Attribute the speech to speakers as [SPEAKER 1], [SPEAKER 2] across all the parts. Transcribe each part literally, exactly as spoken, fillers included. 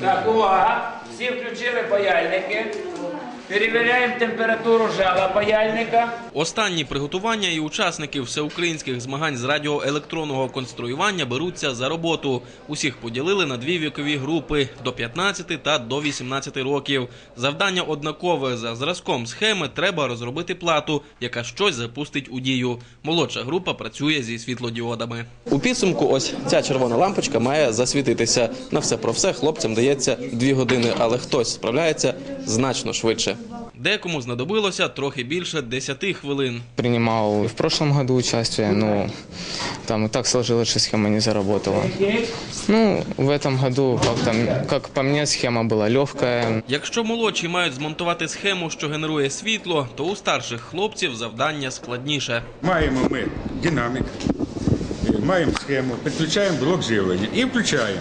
[SPEAKER 1] Так, увага! Всі включили паяльники. Перевіряємо температуру жала паяльника.
[SPEAKER 2] Останні приготування і учасники всеукраїнських змагань з радіоелектронного конструювання беруться за роботу. Усіх поділили на дві вікові групи – до п'ятнадцяти та до вісімнадцяти років. Завдання однакове. За зразком схеми треба розробити плату, яка щось запустить у дію. Молодша група працює зі світлодіодами. У підсумку ось ця червона лампочка має засвітитися. На все про все хлопцям дається дві години, але хтось справляється значно швидше. Декому знадобилося трохи більше десяти хвилин.
[SPEAKER 3] Принимал в прошлом году участие, но там и так сложилось, что схема не заработала. Ну, в этом году, как, там, как по мне, схема была легкая.
[SPEAKER 2] Якщо молодші мають змонтувати схему, що генерує світло, то у старших хлопців завдання складніше.
[SPEAKER 4] Маємо ми динамік, маємо схему, підключаємо блок живлення і включаємо.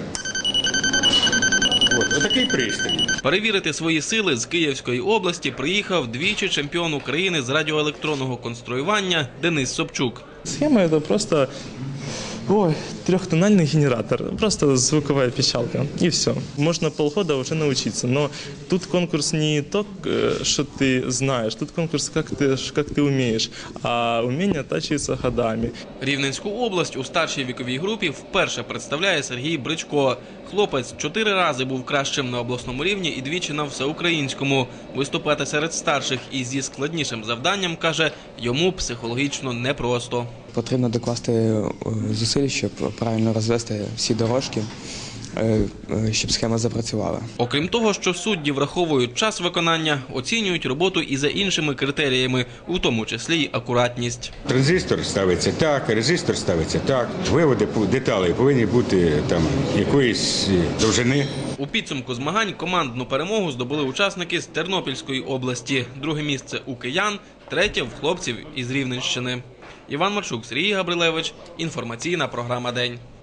[SPEAKER 4] От, отакий пристрій.
[SPEAKER 2] Перевірити свої сили з Київської області приїхав двічі чемпіон України з радіоелектронного конструювання Денис Собчук.
[SPEAKER 5] Схема – это просто ой, трехтональный генератор, просто звуковая пищалка, и все. Можно полгода уже научиться, но тут конкурс не то, что ты знаешь, тут конкурс, как ты, как ты умеешь, а умение оттачивается годами.
[SPEAKER 2] Рівненську область у старшій віковій групі вперше представляє Сергій Бричко. Хлопець чотири рази був кращим на обласному рівні і двічі на всеукраїнському. Виступати серед старших і зі складнішим завданням, каже, йому психологічно непросто.
[SPEAKER 6] Потрібно докласти зусиль, щоб правильно розвести всі дорожки, щоб схема запрацювала.
[SPEAKER 2] Окрім того, що судді враховують час виконання, оцінюють роботу і за іншими критеріями, у тому числі й акуратність.
[SPEAKER 4] Транзистор ставиться так, резистор ставиться так, виводи деталей повинні бути там якоїсь довжини.
[SPEAKER 2] У підсумку змагань командну перемогу здобули учасники з Тернопільської області. Друге місце у киян, третє в хлопців із Рівненщини. Іван Марчук, Сергій Габрилевич. Інформаційна програма «День».